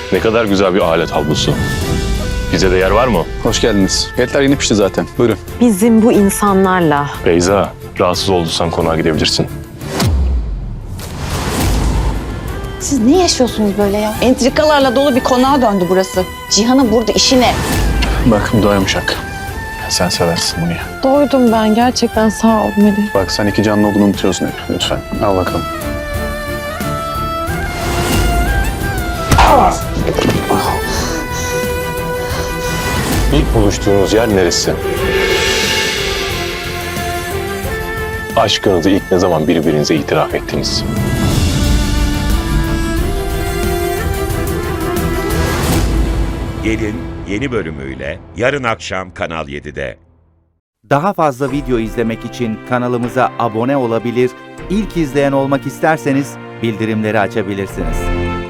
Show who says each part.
Speaker 1: Ne kadar güzel bir alet havlusu. Bize de yer var mı?
Speaker 2: Hoş geldiniz. Etler yeni pişti zaten. Buyurun.
Speaker 3: Bizim bu insanlarla
Speaker 1: Beyza, rahatsız olduysan konağa gidebilirsin.
Speaker 4: Siz ne yaşıyorsunuz böyle ya? Entrikalarla dolu bir konağa döndü burası. Cihan'ın burada işi ne?
Speaker 2: Bak bu da yumuşak. Sen seversin bunu ya.
Speaker 3: doydum ben. Gerçekten sağ ol Melih.
Speaker 2: Bak sen iki canlı olduğunu unutuyorsun hep. Lütfen. Al bakalım.
Speaker 1: İlk buluştuğunuz yer neresi? Aşkınızı ilk ne zaman birbirinize itiraf ettiniz?
Speaker 5: Gelin yeni bölümüyle yarın akşam Kanal 7'de.
Speaker 6: Daha fazla video izlemek için kanalımıza abone olabilir, ilk izleyen olmak isterseniz bildirimleri açabilirsiniz.